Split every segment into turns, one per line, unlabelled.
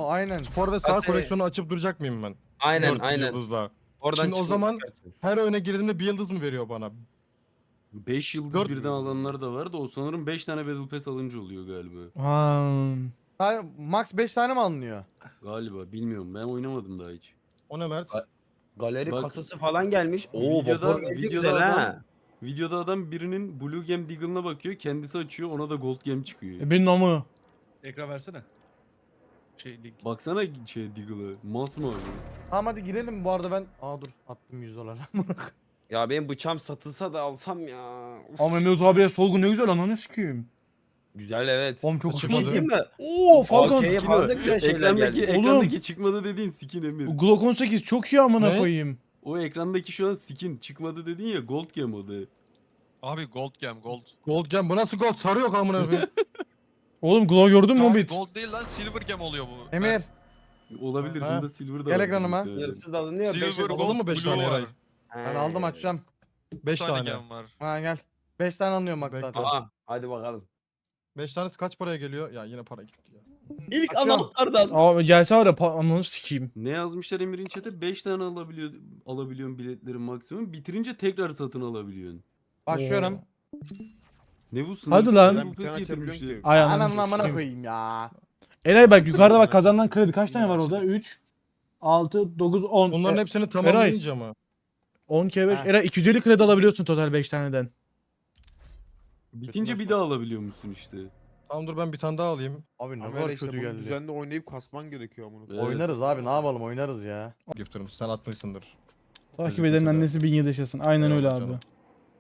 aynen.
Spor ve sağ
Kase-
koleksiyonu açıp duracak mıyım ben?
Aynen
4
aynen.
yıldızla.
Oradan
Şimdi o
çıkıp
zaman
çıkartın.
her oyuna girdiğimde bir yıldız mı veriyor bana?
5 yıldız
Dört-
birden alanlar da var da o sanırım 5 tane Battle Pass alınca oluyor galiba.
Max 5 tane mi alınıyor?
Galiba bilmiyorum ben oynamadım daha hiç.
O ne Mert?
Galeri
Bak-
kasası falan gelmiş. Oo
Videoda-
vapur geldi
videoda
güzel
adam-
ha.
Videoda adam birinin Blue Gem Deagle'ına bakıyor kendisi açıyor ona da Gold Gem çıkıyor.
Benim namı.
Ekran versene. Link.
Baksana Deagle'a masmavi.
Tamam hadi girelim bu arada ben. Aa dur attım 100 dolar.
Ya benim bıçağım satılsa da alsam ya. Uf,
Ama Mehmet abiye solgun ne güzel ananı sikeyim.
güzel evet.
Oğlum çok
Açık
hoşuma
oldu.
Değil
gitti.
mi?
Oo Falcon.
AK'ye falan da güzel şeyler
Ekrandaki,
geldi.
ekrandaki çıkmadı dediğin skin Emir.
Glock 18 çok iyi amına
Ne?
koyayım.
O ekrandaki şu an skin çıkmadı dedin ya Gold Gem o da.
Abi gold gem gold.
Gold gem bu nasıl gold? Sarı yok amına koyayım.
Oğlum Glock gördün mü
Abi
Hobbit?
gold değil lan silver gem oluyor bu.
Emir.
Olabilir
Ha.
bunda silver da
Gel
var
ekranıma.
bir tane.
Hırsız alınıyor.
Silver
beş-
gold
Alalım mı beş
blue
tane
var.
Eray?
Ben aldım açacağım.
5
Bir tane
tane.
gem var.
Ha gel. 5 tane alınıyor Max
Bekle.
zaten.
Aa hadi bakalım.
5 tanesi kaç paraya geliyor? Ya yine para gitti ya.
İlk
Açıyorum.
anahtardan.
Aa gelse var ya ananı sikeyim.
Ne yazmışlar Emir'in chat'e? 5 tane alabiliyorsun biletlerin maksimum. Bitirince tekrar satın alabiliyorsun.
Başlıyorum.
Ne bu
Hadi lan.
Bu pes getirmişler.
Ay
Ananın
ananı
amına
sikeyim.
koyayım ya.
Eray bak yukarıda bak kazanılan kredi kaç tane var orada? 3, 6, 9, 10.
Bunların hepsini tamamlayınca mı?
10 kere 5.
Ha.
Eray 250 kredi alabiliyorsun total 5 taneden.
Bitince bir daha alabiliyor musun işte.
Tamam dur ben bir tane daha alayım.
Abi ne
Ama
kadar
işte
kötü
bunu
geldi.
düzenli oynayıp kasman gerekiyor amına.
Evet.
Oynarız abi ne yapalım oynarız ya.
Gifter'ım sen atmışsındır.
Takip
Gözükmese
edenin
de.
annesi 1000 yıl yaşasın. Aynen öyle
Eyvallah
abi.
canım.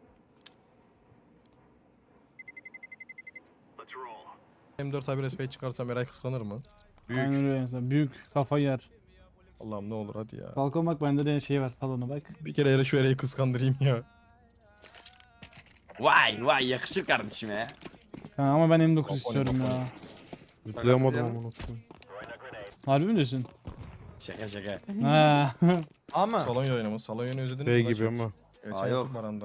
M4 A1 SP çıkarsam Eray kıskanır mı?
Aynen öyle mesela. Büyük kafa yer.
Allah'ım ne olur hadi ya.
Falcon bak bende de şey var salona bak.
Bir kere Eray şu Eray'ı kıskandırayım ya.
Vay vay yakışır kardeşime ya.
Ha, ama ben M9
Balkon,
istiyorum
balkon.
ya.
Zıplayamadım amına.
Harbi mi diyorsun?
Şaka şaka.
Ha.
Ama
Salon yayını mı? Salon yayını özledin
Şey
mi?
gibi ama.
Aa, yok.
Yok. Baranda.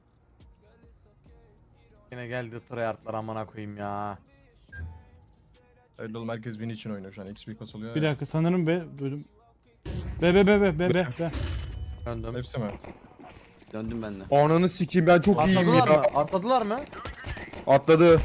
yine geldi tryhardlar amına koyayım ya.
Öyle oğlum herkes win için oynuyor şu an. XP kasılıyor
Bir
ya.
dakika sanırım bölüm. Be.
Döndüm.
Hepsi mi?
Döndüm ben de.
Ananı sikeyim ben çok iyiyim
Atladılar
ya.
mı? Atladılar mı?
Atladı.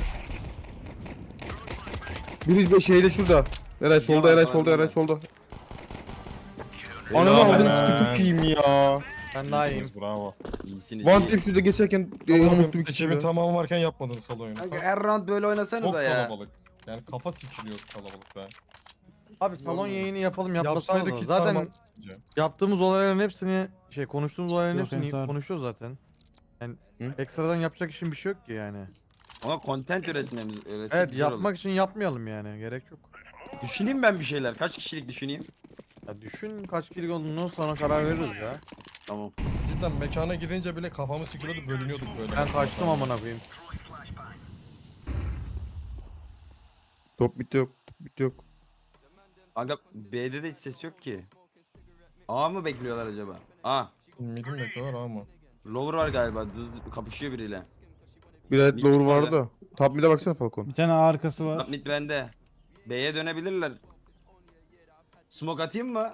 Biri bir şeyde şurada. Eray solda, Eray solda, Eray solda. Ananı
Helal
aldığını
be.
sikim çok iyiyim ya.
Ben daha iyiyim.
İyisiniz, bravo.
İyisiniz.
One
iyi.
tip şurada geçerken
Oğlum,
unuttum ikisini.
Ekibin tamamı varken yapmadın salon oyunu.
Kanka her round böyle
Çok
oynasanıza ya.
kalabalık. Yani kafa sikiliyor kalabalık be.
Abi salon yayını yapalım yapmasana
Yapsaydık
da.
hiç
Zaten
sarmam.
yaptığımız olayların hepsini konuştuğumuz olayların
Yok,
hepsini
Ensar.
konuşuyoruz zaten. Yani
Hı?
ekstradan yapacak işin bir şey yok ki yani.
Ama content üretmemiz
Evet yapmak için yapmayalım yani gerek yok.
Düşüneyim ben bir şeyler. Kaç kişilik düşüneyim?
Ya düşün kaç kilik olduğunu sonra karar veririz ya.
Tamam.
Cidden mekana gidince bile kafamı sikiliyordu bölünüyorduk böyle.
Ben kaçtım amına koyayım.
Top bit yok, top bit yok.
Kanka B'de de hiç ses yok ki. A mı bekliyorlar acaba? A.
Midim bekliyorlar ama.
Lower var galiba. Düz kapışıyor biriyle.
Bir adet
Bir
lower
çıkmadı.
vardı da. Top mid'e baksana Falcon.
Bir tane arkası var.
Mid bende. B'ye dönebilirler. Smoke atayım mı?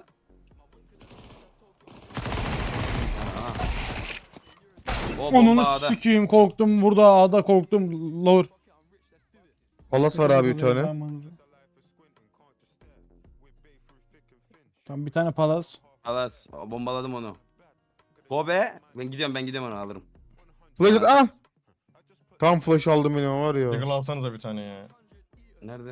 Aa. O bomba
Onunu
A'da.
sikeyim korktum burada A'da korktum lower.
Palas var abi bir tane.
Tamam bir tane palas.
Alas bombaladım onu. Kobe. Ben gidiyorum onu alırım.
Flash ah! Tam flash aldım benim var ya.
Jiggle alsanıza bir tane ya.
Nerede?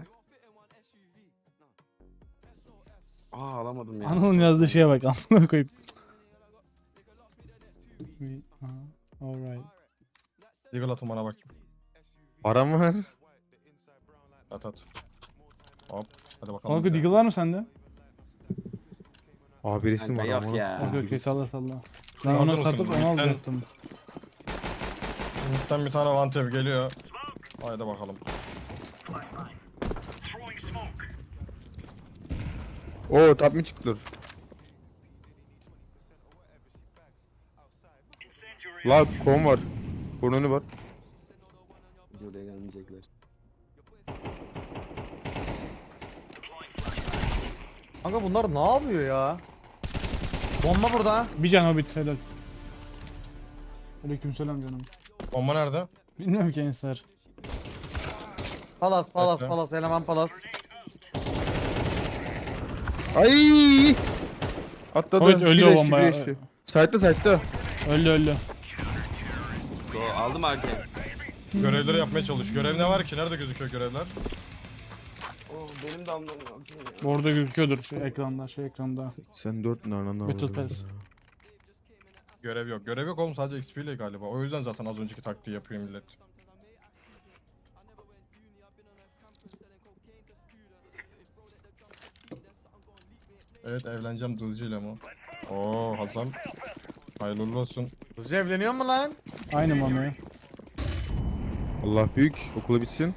Aa alamadım ya.
Anıl'ın yazdığı şeye bak amına koyayım. Alright.
Jiggle atın bana bak.
Param var.
At at. Hop. Hadi bakalım.
Kanka Deagle var mı sende?
Abi resim
Kanka
var
yok
ama.
ya.
Okey salla. Ben
Hazır
onu
mısın?
satıp onu
Mid'den-
alacaktım.
Mid'den bir tane vantev geliyor. Haydi bakalım.
Oo top mid çıktı. La kon var. Konunu var.
Buraya gelmeyecekler.
Kanka bunlar ne yapıyor ya? Bomba burada.
Bir can Hobbit helal. Aleykümselam canım.
Bomba nerede?
Bilmiyorum ki Ensar.
Palas palas
Bekle.
palas eleman palas.
Ay! Atladı.
Hobbit öldü
Bir
o
eşli,
bomba
bir
ya.
eşli. Site'da.
Öldü.
Go, aldım AK.
Görevleri yapmaya çalış. Görev ne var ki? Nerede gözüküyor görevler?
Oh, benim de almam lazım ya.
Orada gözüküyordur şu ekranda.
Sen 4 nereden
Battle Pass.
Görev yok. Görev yok oğlum, sadece XP ile galiba. O yüzden zaten az önceki taktiği yapıyor millet. Evet, evleneceğim dızcıyla mı? Oo Hasan. Hayırlı uğurlu olsun.
Hızlıca evleniyor mu lan?
Aynı mami.
Allah büyük. Okulu bitsin.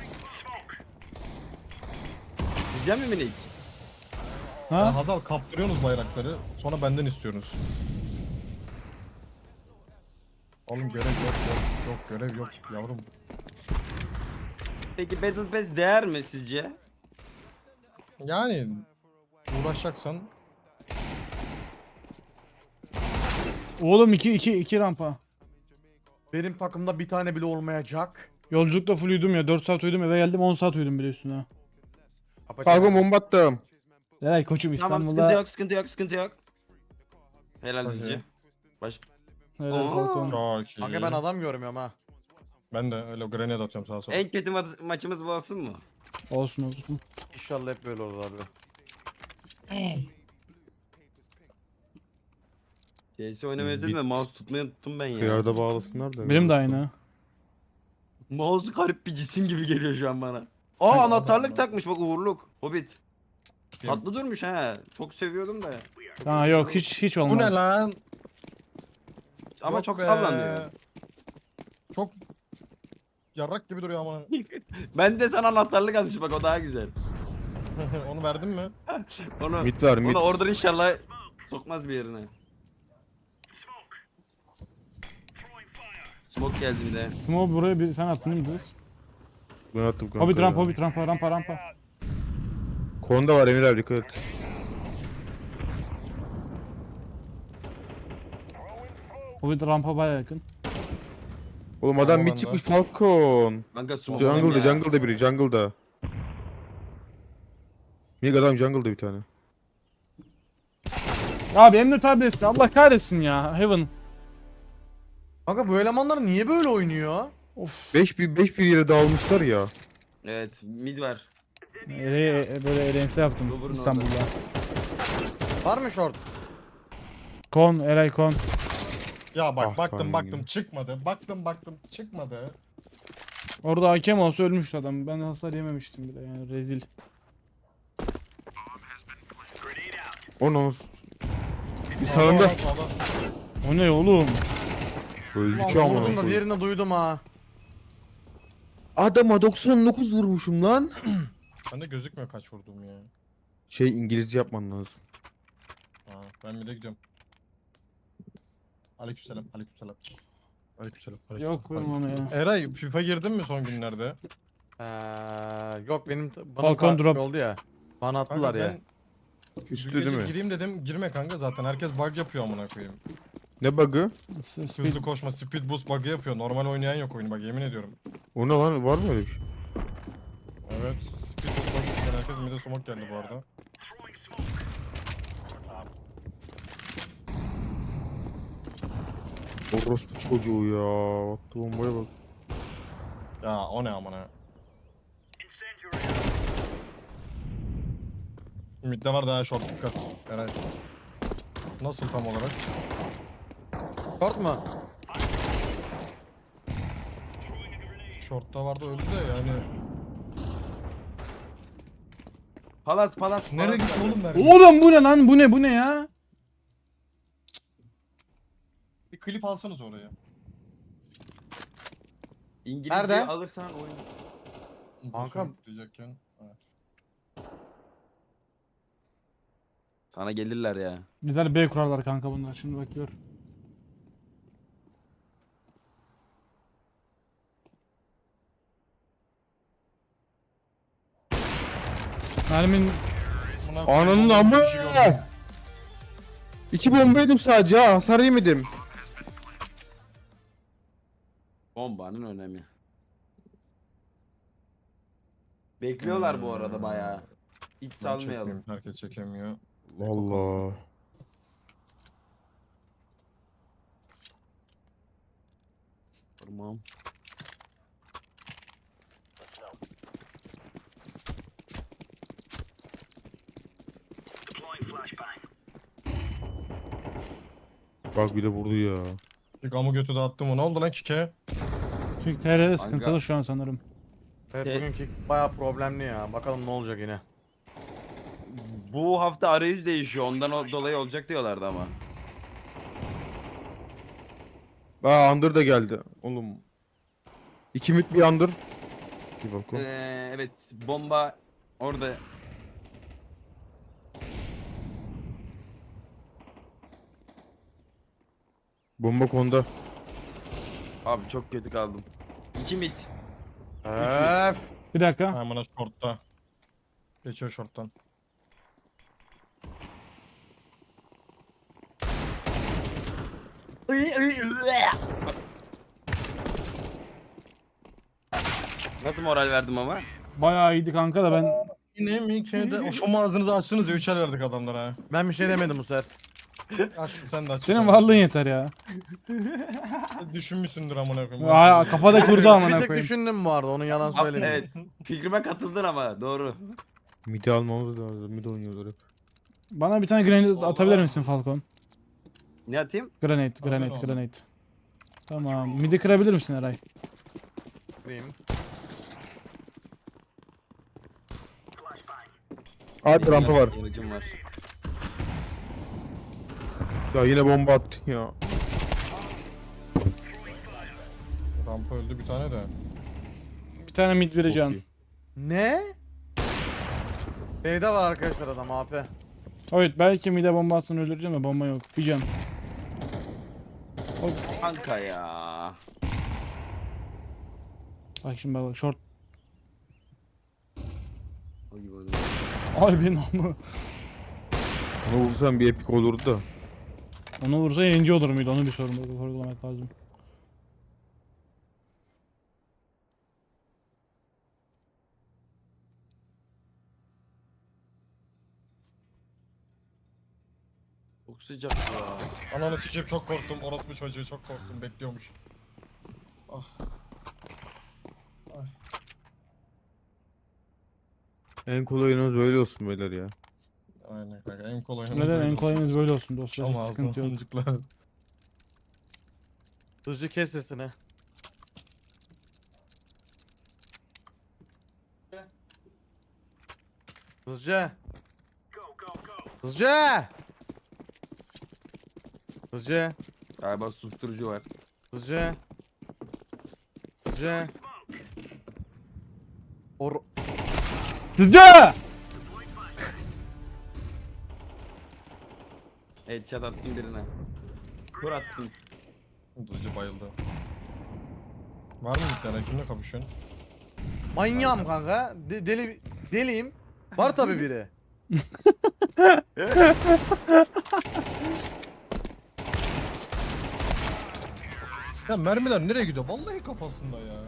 Diyeceğim mi minik?
Ya
Ha?
Hazal, kaptırıyorsunuz bayrakları. Sonra benden istiyorsunuz. Oğlum görev yok. Görev yok yavrum.
Peki Battle Pass değer mi sizce?
Yani uğraşacaksan
Oğlum 2 rampa.
Benim takımda bir tane bile olmayacak.
Yolculukta full uyudum ya. 4 saat uyudum, eve geldim 10 saat uyudum bile üstüne.
Falcon bomba attım.
Eray koçum
Tamam,
İstanbul'da.
sıkıntı yok. Helal
Okey.
dizi. Baş...
Helal
Aa.
Falcon.
çok iyi.
Kanka ben adam görmüyorum ha.
Ben de öyle grenade atıyorum sağa sola.
En kötü maçımız bu olsun mu?
Olsun.
İnşallah hep böyle olur abi.
CS oynamayı özledim de mouse tutmayı unuttum ben ya.
Kıyarda bağlasınlar da.
Benim de aynı.
Mouse garip bir cisim gibi geliyor şu an bana. Aa, anahtarlık takmış bak, uğurluk. Hobbit.
Kim?
Tatlı durmuş ha. Çok seviyordum da.
Ha yok hiç
Bu
olmaz.
ne lan?
Ama
Yok
çok
be.
sallanıyor.
Çok yarrak gibi duruyor ama.
Ben de sana anahtarlık almışım bak, o daha güzel.
Onu verdin mi?
Onu,
Mid var mid.
onu oradan inşallah sokmaz bir yerine. Smoke geldi bir de.
Smoke buraya bir sen attın değil mi biz?
Ben attım kanka.
Hobbit
ya.
rampa.
Konda var Emir abi, dikkat et.
Hobbit rampa baya yakın.
Oğlum adam
Tamam,
mid
ben
çıkmış Falcon.
Kanka smoke
Jungle'da biri jungle'da. Mig adam jungle'da bir tane.
Abi Emre tabletsi Allah kahretsin ya. Heaven.
Kanka bu elemanlar niye böyle oynuyor?
Of.
5-1 yere dağılmışlar ya.
Evet, mid var.
Böyle erense yaptım
Lover'ın
İstanbul'da.
Var mı short?
Kon, Eray kon.
Ya bak,
Ah,
baktım
timing'im.
çıkmadı. Baktım çıkmadı.
Orada hakem olsa ölmüştü adam. Ben hasar yememiştim bile yani rezil.
Onu. Bir sağında.
Sağda, sağda.
O ne oğlum?
Öldü
Lan
ki amına
vurdum da
koyayım.
diğerini duydum ha.
Adama 99 vurmuşum lan.
Bende gözükmüyor kaç vurduğum ya.
Şey, İngilizce yapman lazım.
Aa, ben bir de gidiyorum. Aleykümselam. Aleykümselam.
Yok benim onu ya.
Eray, FIFA girdin mi son günlerde?
Yok benim bana
Falcon drop.
oldu ya. Bana attılar
Kanka
ya.
ben
Üstü
dün gece
değil mi?
gireyim dedim, girme kanka, zaten herkes bug yapıyor amına koyayım.
Ne bug'ı?
Hızlı koşma, speed boost bug'ı yapıyor. Normal oynayan yok oyunu, bak yemin ediyorum.
O ne lan, var mı öyle bir şey?
Evet, speed boost bug'ı yapıyor. Herkes mide smoke geldi bu arada.
Orospu çocuğu ya. Baktı bombaya bak.
Ya o ne amına. Midde var daha short, dikkat. Eray. Nasıl tam olarak?
Short mu?
Short'ta vardı, öldü de yani.
Palas.
Nereye gitti oğlum mermi?
Oğlum bu ne lan? Bu ne ya?
Bir klip alsanız oraya.
İngilizce
Nerede?
alırsan oyun.
Kanka.
Diyecekken. Evet.
Sana gelirler ya.
Bizler B kurarlar kanka bunlar. Şimdi bakıyor. Mermin
Ananın amı. 2 bomba yedim sadece ha. Hasar yemedim.
Bombanın önemi. Bekliyorlar bu arada bayağı. Hiç
Ben
salmayalım.
çekmiyorum, herkes çekemiyor.
Allah.
Tamam.
Bak bir de vurdu ya.
Gamı götü dağıttım o. Ne oldu lan Kike?
Çünkü TR'de sıkıntılı şu an sanırım.
Evet
E-
bugünkü bayağı problemli ya. Bakalım ne olacak yine.
Bu hafta arayüz değişiyor. Ondan dolayı olacak diyorlardı ama.
Aa Under da geldi. Oğlum. 2 mid bir Under. Bir bakın.
Evet, bomba orada.
Bomba konda.
Abi çok kötü kaldım. 2 mid.
Öf.
Bir dakika.
Hemen shortta. Geçiyor shorttan.
Nasıl moral verdim ama?
Bayağı iyiydi kanka da ben
Yine mi K'de? O şu ağzınızı açsınız ya 3'er verdik adamlara.
Ben bir şey demedim bu sefer.
Aç sen de aç.
senin varlığın yeter ya.
Düşünmüşsündür amına koyayım.
Aa, kafada kurdu
Bir
amına
tek
koyayım.
düşündüm bu arada. Onun yalan söylemeyeyim.
Evet. Fikrime katıldın ama doğru.
Mid'i almamız lazım. Mid oynuyorlar hep.
Bana bir tane grenade atabilir misin Falcon?
Ne atayım?
Grenade.
Aferin.
Tamam. Midi kırabilir misin Eray?
Kırayım.
Hadi rampa var.
Yanıcım var.
Ya yine bomba attın ya.
Rampa öldü bir tane de.
Bir tane mid
Çok
vereceğim.
iyi.
Ne? B'de var arkadaşlar adam AP.
Evet belki mid'e bomba atsın öldüreceğim de bomba yok. Bir can.
Kanka ya.
Bak şimdi bak short.
O gibi oldu.
Ay benim ama.
Onu vursan bir epik olurdu da.
Onu vursa yayıncı olur muydu? Onu bir sorgulamak lazım.
Çok sıcak ya.
Ananı sikeyim çok korktum. Orospu çocuğu çok korktum. Bekliyormuş. Ah.
En kolay oyunumuz böyle olsun beyler ya.
Aynen kanka en kolay.
Neden en kolayınız böyle olsun dostlar.
Ama
Hiç sıkıntı yok.
çocuklar.
Hızlı kes sesini. Hızlıca. Hızlıca. Hızlıca.
Galiba susturucu var.
Hızlıca. Hızlıca.
Sıca!
Headshot attım birine. Kur attım.
Hızlıca bayıldı. Var mı bir tane? Kimle kapışıyorsun?
Manyağım kanka. Deliyim. Var tabi biri.
Ya mermiler nereye gidiyor? Vallahi kafasında ya.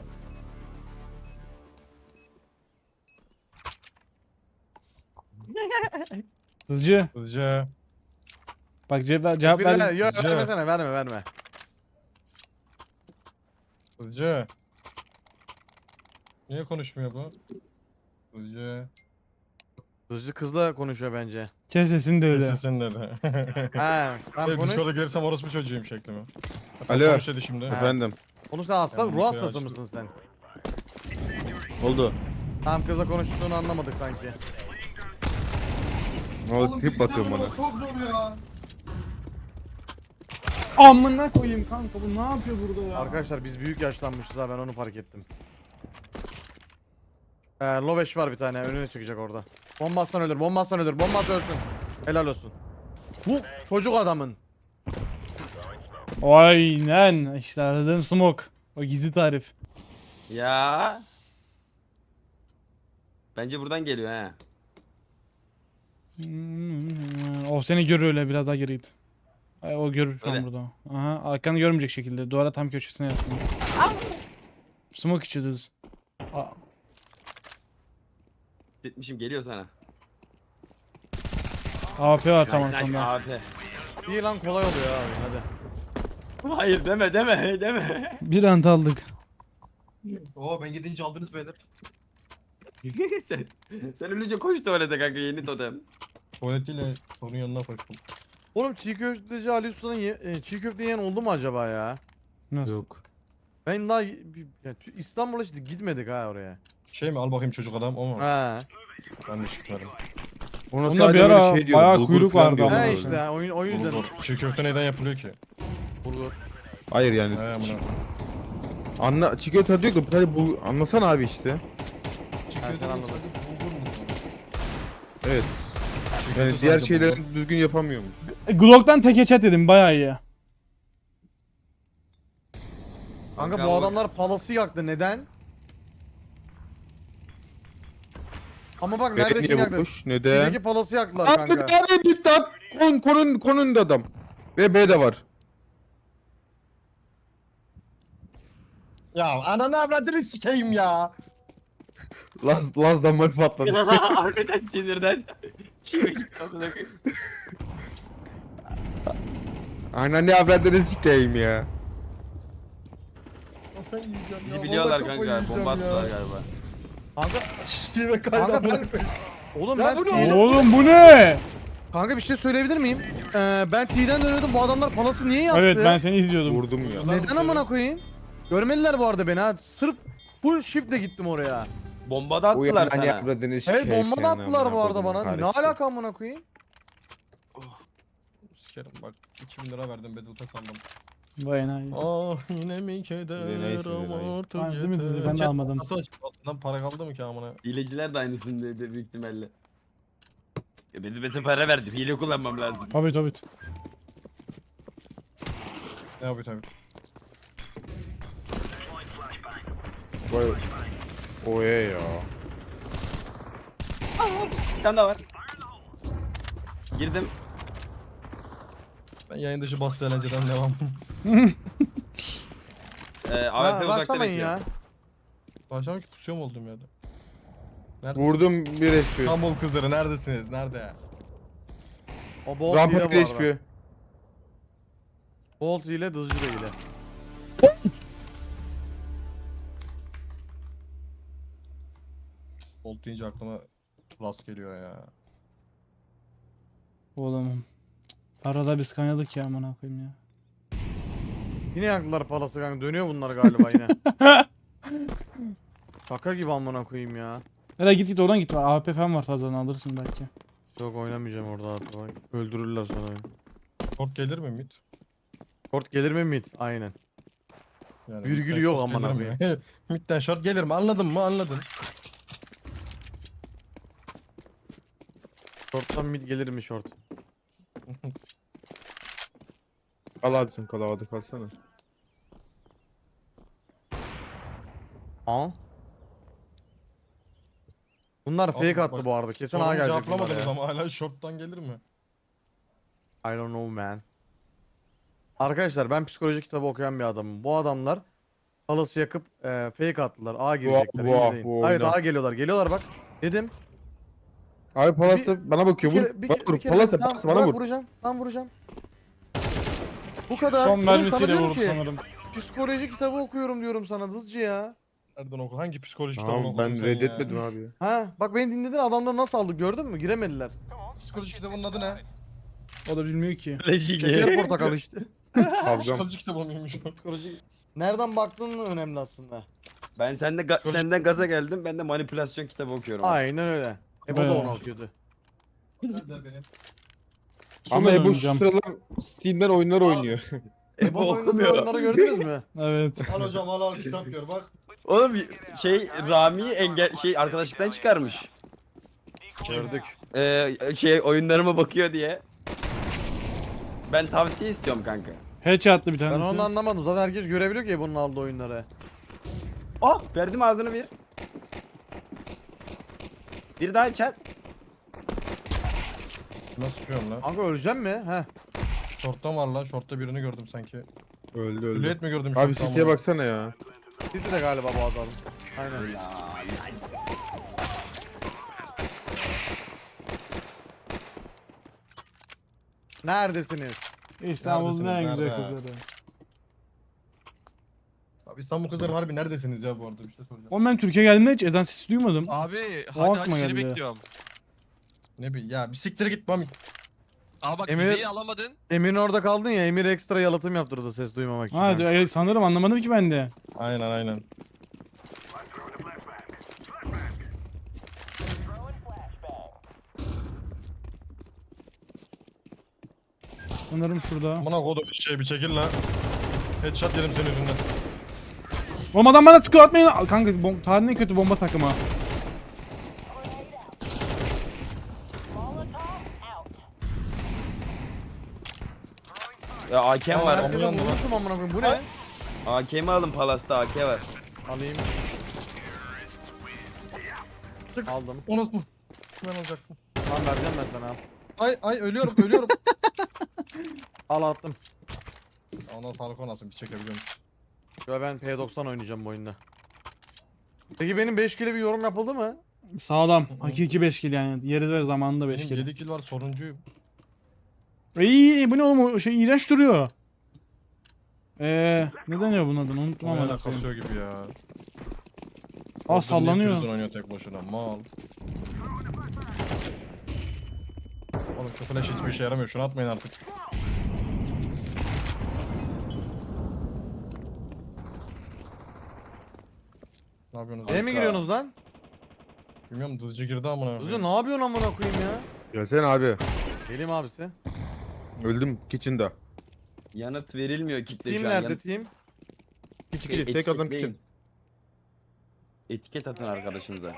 Hızcı.
Hızlıca.
Bak cevap
Birine,
ver.
yok
Hızlıca.
vermesene verme.
Hızlıca. Niye konuşmuyor bu? Hızlıca.
Hızlı kızla konuşuyor bence.
Kes sesini de öyle.
Sesin nerede?
He tamam konuş.
Discord'a gelirsem orospu çocuğuyum şeklimi.
Alo.
Konuş dedi şimdi.
Efendim.
Oğlum sen hasta
Yani
ruh hastası
açtım.
mısın sen?
Oldu.
Tam kızla konuştuğunu anlamadık sanki.
Ne oldu? Trip batıyor bana.
Amına koyayım kanka bu ne yapıyor burada ya?
Arkadaşlar biz büyük yaşlanmışız ha ben onu fark ettim. Loveş var bir tane önüne çıkacak orada. Bombastan ölür, bombastan ölür, bombastan ölsün. Helal olsun. Bu çocuk adamın.
Aynen işte aradığım smoke. O gizli tarif.
Ya. Bence buradan geliyor ha.
O seni görür öyle, biraz daha geri git. O görür şu an
Öyle.
burada. Aha, arkanı görmeyecek şekilde. Duvara tam köşesine yattın. Smoke içi düz.
Hissetmişim, geliyor sana.
AP var tam
Nice, nice,
arkanda.
abi.
İyi lan, kolay oluyor abi, hadi.
Hayır deme.
Bir ant aldık.
Oo ben gidince aldınız beyler.
sen, sen ölünce koş tuvalete kanka, yeni totem.
Tuvaletiyle onun yanına koştum.
Oğlum çiğ köfteci Ali Usta'nın çiğ köfte yiyen oldu mu acaba ya?
Nasıl?
Yok.
Ben daha İstanbul'a işte gitmedik ha oraya.
Şey mi al bakayım çocuk adam o mu?
Ha.
Ben de çıkıyorum.
Ona
Onda
sadece
bir ara
böyle şey diyordu,
bayağı
bulgur
kuyruk
falan
vardı
diyordu.
ama.
Ha
Bulgur.
işte o yüzden.
Bulgur. Çiğ köfte neden yapılıyor ki?
Bulgur.
Hayır yani.
He amına.
Anla çiğ köfte diyor da bir tane bu anlasana abi işte.
Çiğ
Ben
köfte
sen anladın.
bulgur mu?
Evet.
Çiğ
Yani
köfte
diğer
sadece bulgur.
şeyleri düzgün yapamıyorum.
Glock'tan tek headshot dedim, bayağı iyi.
Kanka bu adamlar palası yaktı, neden? Ama bak nerede kim
Niye
yaktı?
boş? Neden?
Bizdeki palası yaktılar
Abi
kanka.
abi bitti abi. Konun da adam. Ve B de var.
Ya ananı avradını sikeyim ya.
Laz'dan mal patladı.
Harbiden sinirden.
Anne avradını sikeyim ya.
Bizi biliyorlar kanka, bomba attılar galiba.
Kanka,
Şişkiye kaydı
kanka
amına
ben...
koyayım.
Oğlum
Ya
ben
bu ne
T'den...
Oğlum bu ne?
Kanka bir şey söyleyebilir miyim? Ben T'den dönüyordum, bu adamlar palası niye yaktı?
Evet, ben seni izliyordum.
Vurdum ya.
Neden amına koyayım? Görmediler bu arada beni ha. Sırf full shiftle gittim oraya.
Bomba da
O
attılar
yani
sana.
avradını sikeyim.
Evet, bomba da
senin
attılar
amına
bu arada
kodumun
bana. Ne
karısı.
alaka amına koyayım?
Sikerim bak 2000 lira verdim Battle Pass aldım.
Vay enayi.
Ah yine mi keder
Yine neyse, yine
ama
neyse.
artık
Ben değil mi dedi,
yeter.
ben de
Chat,
almadım.
Nasıl açık altından para kaldı mı ki amına?
Hileciler de aynısını dedi büyük ihtimalle. Benim para verdim, hile kullanmam lazım.
Tabii.
Ne yapıyor tabii.
Vay. Oye ya.
Bir tane daha var. Girdim.
Ben yayın dışı bastı eğlenceden devam.
AWP uzakta
Başlamayın
bekliyor.
ya.
Başlamak ki pusuyor mu oldum yerde? Nerede?
Vurdum bir HP.
İstanbul kızları neredesiniz? Nerede ya?
O Bolt
Rampa
hile
bir
bu
HP.
arada. Bolt hile, dızcı da hile.
Bolt deyince aklıma Rust geliyor ya.
Oğlum. Arada biz kaynadık ya, amına koyayım ya.
Yine yaktılar palası kanka. Dönüyor bunlar galiba yine. Şaka gibi amına koyayım ya.
Hele git oradan git. AWP falan var, fazladan alırsın belki.
Yok, oynamayacağım orada abi. Bak, öldürürler sonra beni.
Short gelir mi mid?
Short gelir mi mid? Aynen.
Yani
Virgül
midden
yok
short
amına
gelir mi? Midden short gelir mi? Anladın mı? Anladın.
Short'tan mid gelir mi short?
Kal abi sen kal havada kalsana.
Ha? Bunlar fake
Abi
attı
bak,
bu arada. Kesin
Sorumu
A gelecek bunlar
cevaplamadınız
ya.
ama hala short'tan gelir mi?
I don't know man. Arkadaşlar ben psikoloji kitabı okuyan bir adamım. Bu adamlar palası yakıp fake attılar. A girecekler.
bu
izleyin. Evet,
oyna.
A geliyorlar. Geliyorlar bak. Dedim.
Abi Palas'ta bana bakıyor. Vur. Bana vur. Palas'ta
Tamam,
bana
bırak,
vur.
vuracağım. Tam vuracağım. Bu kadar.
Son
Oğlum sana
mermisiyle
diyorum
vurdu
ki,
sanırım.
psikoloji kitabı okuyorum diyorum sana dızcı ya.
Nereden oku? Hangi psikoloji kitabını
Tamam
okudun
ben
sen
reddetmedim
ya?
abi.
Ha bak beni dinledin, adamları nasıl aldık gördün mü? Giremediler.
Psikoloji kitabının adı ne?
O da bilmiyor ki.
Şeker portakal işte.
Kavgam.
Psikoloji kitabı mıymış?
Psikoloji. Nereden baktığın önemli aslında.
Ben senden gaza geldim, ben de manipülasyon kitabı okuyorum.
Aynen öyle. Bu da
Bayağı.
onu okuyordu.
Nerede benim?
Ama
Şunu
bu şu
oynayacağım.
sıralar Steam'den oyunlar oynuyor.
Bu oyunları gördünüz mü?
Evet.
Al hocam al kitap gör bak.
Oğlum Rami'yi arkadaşlıktan çıkarmış.
Gördük.
Oyunlarıma bakıyor diye. Ben tavsiye istiyorum kanka.
Headshot attı bir
Ben
tanesi.
onu anlamadım. Zaten herkes görebiliyor ki bunun aldığı oyunları.
Oh, verdim ağzını bir. Bir daha çat.
Nasıl sıkıyorum lan?
Kanka öleceğim mi? Heh.
Short'tan var lan. Short'ta birini gördüm sanki.
Öldü öldü.
Hülyet mi gördüm?
Abi
short'tan
City'ye
bunu?
baksana ya.
City de galiba bu adam. Aynen. Neredesiniz?
İstanbul'un en
Neredesiniz,
güzel
nerede?
kızları.
Abi İstanbul kızları harbi neredesiniz ya bu arada bir şey soracağım.
Oğlum ben Türkiye'ye geldiğimde hiç ezan sesi duymadım.
Abi
O
hadi
aklıma
seni
geldi.
bekliyorum.
Ne bileyim ya bir siktir git Mami.
Aa bak
Emir-
vizeyi alamadın.
Emir'in orada kaldın ya, Emir ekstra yalıtım yaptırdı ses duymamak için.
Ha sanırım anlamadım ki ben de.
Aynen.
Sanırım şurada.
Bana kodu bir şey bir çekil lan. Headshot yedim senin yüzünden.
Oğlum adam bana tıkıyor atmayın. Kanka tarihin en kötü bomba takımı.
Ya AK'm var.
Aa,
Ben vurmuşum amına koyayım. Bu ne?
AK'mi alın Palas'ta AK var.
Alayım. Aldım.
Onu bu. Ben alacaktım.
Tamam vereceğim ben sana.
Ay ölüyorum.
Al attım.
Ondan sağlık olmasın bir çekebiliyor musun?
Yo ben P90 oynayacağım bu oyunda. Peki benim 5 kilo bir yorum yapıldı mı?
Sağlam. Hakiki 5 kill yani. Yeri ve zamanında 5
Benim
kill.
7 kill var soruncuyum.
İyi bu ne oğlum o şey iğrenç duruyor. Ne deniyor bunun adını unuttum ama.
Oyuna kasıyor gibi ya.
Aa sallanıyor.
Prison oynuyor tek başına mal. Oğlum şu flash hiçbir işe yaramıyor. Şunu atmayın artık. Ne yapıyorsunuz?
Neye mi giriyorsunuz lan?
Bilmiyorum dızcı girdi amına.
Hızlı ne yapıyorsun amına koyayım ya?
Gelsene abi.
Geleyim abisi.
Öldüm kitchen'da.
Yanıt verilmiyor kitle
Team
şu an.
nerede team?
Küçük tek adam kitchen.
Etiket atın arkadaşınıza.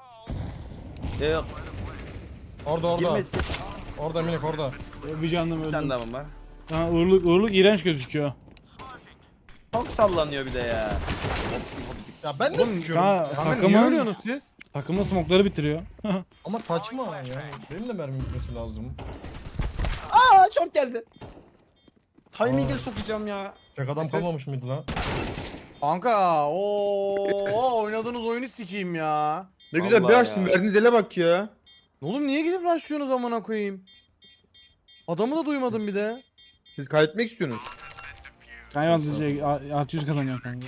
Orada.
Girmesin.
Orada minik orada.
Bir canım
Bir
öldüm.
tane daha var.
Ha, uğurluk iğrenç gözüküyor.
Çok sallanıyor bir de ya.
Ya ben de
Oğlum,
sıkıyorum.
ya,
Ya.
Kanka niye
Takımın-
ölüyorsunuz siz?
Takımın smokları bitiriyor.
Ama saçma yani. Benim de mermi gitmesi lazım.
Aa çok geldi. Timing'e sokacağım ya.
Tek adam
Ses-
kalmamış mıydı lan?
Kanka oynadığınız oyunu sikeyim ya.
Ne güzel bir
Vallahi
açtın
ya.
verdiğiniz ele bak ya.
Oğlum niye gidip rushlıyorsunuz amına koyayım? Adamı da duymadım bir de.
Siz kaybetmek istiyorsunuz.
Eyvallah 600 kazanıyor kanka.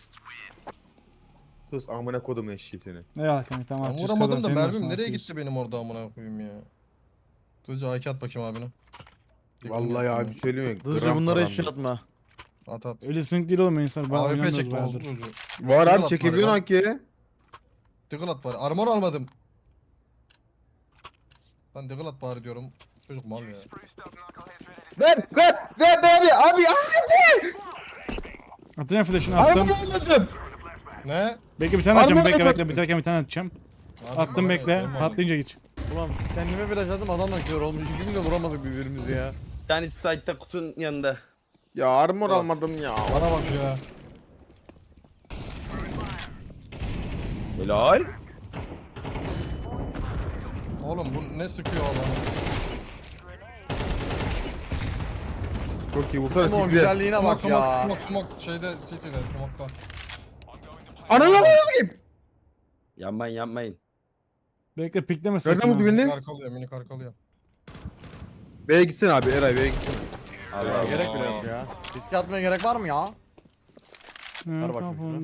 Sus amına kodum eşeği seni.
Eyvallah kanka tamam
Ben
600
vuramadım
kazan.
da
senin
mermim
olsun,
nereye
600.
gitti benim orada amına koyayım ya. Dızcı AK at bakayım abine.
Vallahi abi söyleyeyim mi?
Hızlıca
Gram
bunlara hiç
param
şey atma.
At at.
Öyle sync değil oğlum insanlar. Ben
AWP
oynamıyoruz
çekti
bayağıdır.
olsun çocuğu.
Var
Tiggle
abi
at
çekebiliyorsun
bari
hakiye.
Tiggle at bari. Armor almadım. Ben tiggle at bari diyorum. Çocuk mal ya.
Ver abi.
Atacağım flash'ını attım.
almadım.
Ne?
Bekle bir tane atacağım.
Armor
Bekle
yapacaktım.
biterken bir tane atacağım.
Abi
Attım
bana
bekle.
elma aldım.
Patlayınca geç.
Ulan kendime biraz adım adamla kör olmuş. İkimiz de vuramadık birbirimizi ya.
Bir tanesi site'da kutunun yanında.
Ya armor almadım ya.
Bana bak ya.
Helal.
Oğlum bu ne sıkıyor adamı?
Çok iyi vursana
Ama o
siktir.
güzelliğine bak ya.
Smoke şeyde city'de smoke'ta.
Ananı
Yapmayın.
Bekle pikleme
Nereden
sakın.
vurdu
ha.
beni?
Minik arkalıyor minik arkalıyor.
B'ye gitsene abi Eray B'ye gitsene.
Allah
Gerek bile yok ya. Riske atmaya gerek var mı ya?
Ver
bakayım şunu.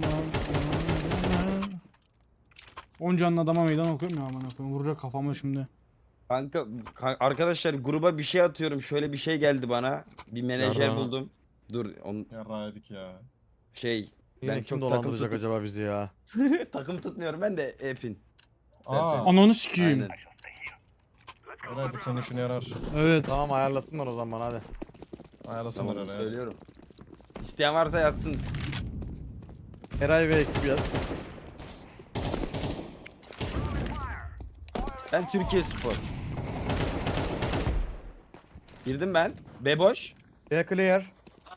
10 canlı adama meydan okuyorum ya aman okuyayım. Vuracak kafama şimdi.
Kanka arkadaşlar gruba bir şey atıyorum. Şöyle bir şey geldi bana. Bir menajer
Yarra.
buldum. Dur
Yarrağı yedik ya.
Yine
ben
kim
çok
dolandıracak acaba bizi ya?
takım tutmuyorum ben de Epin.
Aa.
Ananı sikeyim.
Aynen.
Eray bu senin işine yarar.
Evet.
Tamam ayarlasınlar o zaman hadi.
Ayarlasınlar
Tamam
Eray.
söylüyorum. İsteyen varsa yazsın.
Eray ve ekibi yaz.
Ben Türkiye Spor. Girdim ben. B boş.
B clear.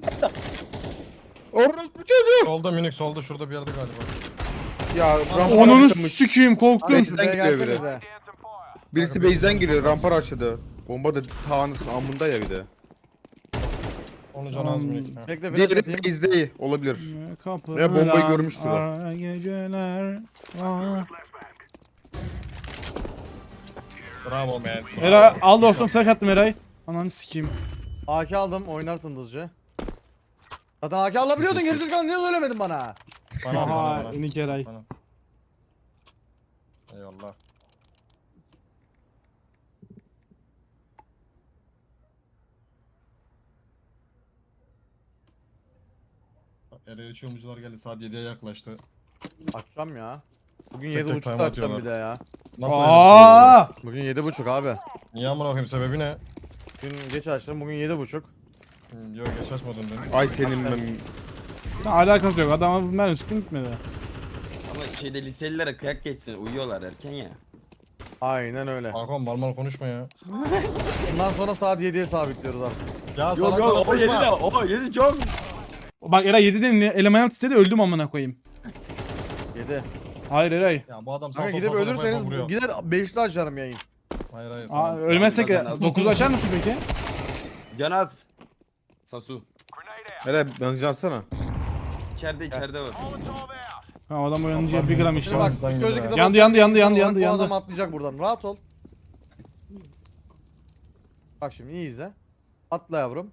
Orospu çocuk.
Solda minik solda şurada bir yerde galiba.
Ya rampa
Ananı
açılmış.
sikeyim korktum.
Abi,
Bizden
geliyor biri.
gelsenize.
Birisi base'den geliyor rampa açladı. Bomba da tağınısın amında ya bir de.
Onu can az minik. Ha.
Bekle flash
Diğeri
atayım.
base'de olabilir.
Kapılar,
Ya bombayı görmüştür o.
ara geceler. Aa.
Bravo man.
Eray al dostum flash attım Eray. Ananı sikeyim.
AK aldım oynarsın hızlıca. Zaten AK alabiliyordun gerizekalı niye söylemedin bana?
Bana
Aha
bana.
inik Eray.
Bana. Eyvallah. Ere uçurumcular geldi saat 7'ye yaklaştı.
Açacağım ya. Bugün
Tek tek
7.30'da
time
açacağım
atıyorlar.
bir de ya.
Nasıl
Aa!
Bugün 7.30 abi.
Niye amına koyayım sebebi ne?
Dün geç açtım bugün 7.30.
Yok geç açmadın dün.
Ay senin ben.
Alakası yok. Adama mermi sıkın gitmedi.
Ama şeyde liselilere kıyak geçsin. Uyuyorlar erken ya.
Aynen öyle.
Hakan mal mal konuşma ya.
Bundan sonra saat 7'ye sabitliyoruz artık.
Ya
Yok yok o 7'de. O 7 çok.
Bak Eray 7'den elemanım titredi öldüm amına koyayım.
7.
Hayır Eray.
Ya bu adam
Kanka
sağ
gidip
sol sağ
ölürseniz
vuruyor.
gider 5'li açarım yayın.
Hayır hayır.
Aa,
tamam.
ölmezsek
Zaten
9 açar mısın peki?
Canaz. Sasu.
Hele bence atsana.
İçeride var.
Ha adam uyanınca 1 gram
Şimdi
işte.
bak
Sen
psikolojik
gidin
kitap
Yandı,
okuyan
yandı,
bir
yandı,
insan
yandı,
olarak
yandı.
Bu adam atlayacak buradan rahat ol. Bak şimdi iyi izle. Atla yavrum.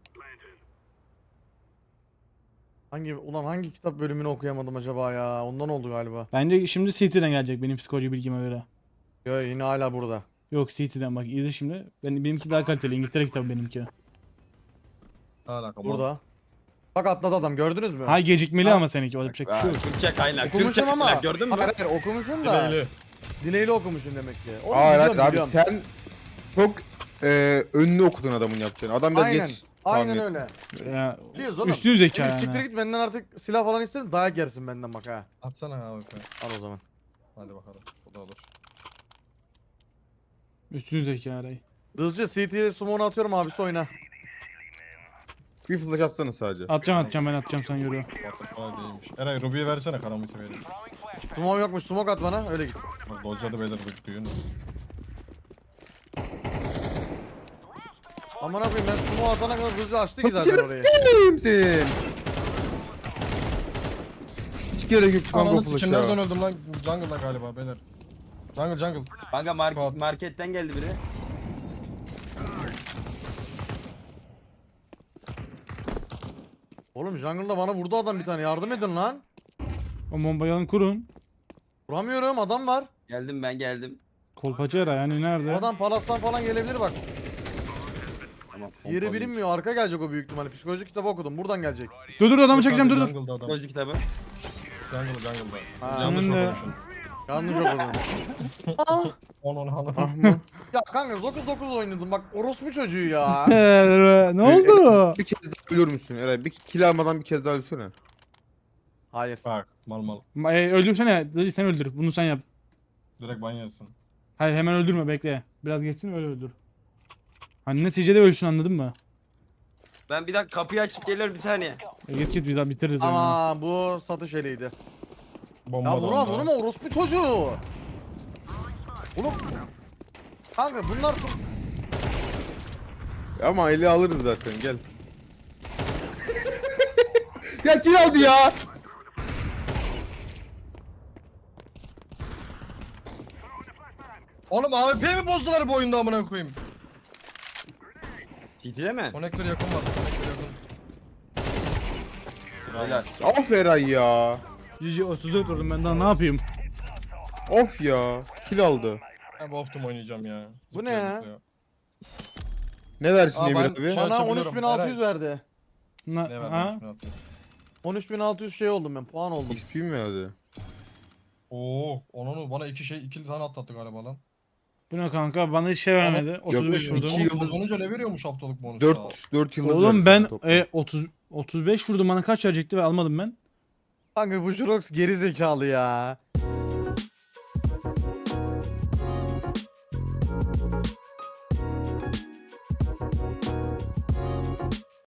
Hangi kitap bölümünü okuyamadım acaba ya? Ondan oldu galiba.
Bence şimdi CT'den gelecek benim psikoloji bilgime göre.
Yo yine hala burada.
Yok CT'den bak izle şimdi. Benimki daha kaliteli. İngiltere kitabı benimki.
Alaka,
Burada. Bak atladı adam gördünüz mü?
Ha gecikmeli ama seninki. O yapacak bir
Aa,
şey yok.
Türkçe kaynak. Türkçe
Okumuşum ama.
kaynak gördün mü?
Hayır hayır okumuşum da.
Dileyli.
Dileğiyle okumuşum demek ki. Onu
Hayır hayır
biliyorum,
abi
biliyorum.
sen çok önünü okudun adamın yaptığını. Adam biraz
Aynen.
geç
Aynen
tahmin
öyle.
Ya,
Biliyoruz oğlum.
üstün zeka
Şimdi siktir
yani.
git benden artık silah falan isterim dayak yersin benden bak ha.
Atsana abi.
Al o zaman.
Hadi bakalım. O da olur.
Üstün zeka Eray.
Hızlıca CT'ye summone'u atıyorum abisi oyna.
Bir flash atsana sadece.
Atacağım ben atacağım sen yürü.
Butterfly değilmiş. Eray Ruby'yi versene karamite vereyim.
Smoke yokmuş smoke at bana öyle git.
Bak dodge'ladı beyler duyun.
Aman koyayım ben smoke atana kadar hızlı açtı ki zaten
Kaçırı
orayı.
s**eyim senin. Hiç gerek yok kanka
Ananı
flash
sikim nereden
ya.
öldüm lan? Jungle'da galiba beyler. Jungle.
Kanka
Kod.
marketten geldi biri.
Oğlum jungle'da bana vurdu adam bir tane yardım edin lan.
O bombayı alın kurun.
Vuramıyorum adam var.
Geldim ben geldim.
Kolpacı Eray yani
O
nerede?
adam palastan falan gelebilir bak.
Tamam.
Yeri bilinmiyor arka gelecek o büyük ihtimalle. Psikolojik kitabı okudum buradan gelecek.
Dur adamı çekeceğim dur.
Jungle'da adam.
Gözlü kitabı.
Jungle'da.
Ha.
Yanlış
Senin de-
okumuşsun.
Yanlış okudum. Ah!
Onun hanım.
Ah mı?
Ya kanka 9-9 oynadım bak orospu çocuğu ya.
Ne oldu?
Bir kez daha ölür müsün Eray? Bir kill almadan bir kez daha ölsene.
Hayır.
Bak mal.
Öldürsene. Dayı sen öldür. Bunu sen yap.
Direkt ban yersin.
Hayır hemen öldürme bekle. Biraz geçsin öyle öldür. Hani neticede ölsün anladın mı?
Ben bir dakika kapıyı açıp geliyorum bir saniye.
Git biz daha bitiririz oyunu.
Ama bu satış eliydi.
Bomba
Ya
da
vurma
onda.
vurma orospu çocuğu. Oğlum. Kanka bunlar
Ama eli alırız zaten gel. Ya kill aldı ya.
Oğlum AWP mi bozdular bu oyunda amına koyayım?
CT'de mi?
Konektör yakın var. Konektör yakın.
Beyler.
Of Eray ya.
GG 34 vurdum ben daha ne yapayım?
Of ya. Kill aldı.
Ben bu optum oynayacağım ya.
Bu ne ya?
Ne versin
Aa,
Emir
ben-
abi?
Şu an
bana
açabiliyorum.
13.600 verdi.
Ne
Ha?
verdim?
13.600 şey oldum ben puan oldum.
XP mi verdi?
Oo, onu bana iki tane atlattı galiba lan.
Bu ne kanka bana hiç şey vermedi. 35
yok,
vurdum.
iki yıldız-
Kazanınca ne veriyormuş haftalık bonus?
4 yıldız
Oğlum
verdi
ben
sana toplam.
35 vurdum bana kaç verecekti ve almadım ben.
Kanka bu Jurox geri zekalı ya.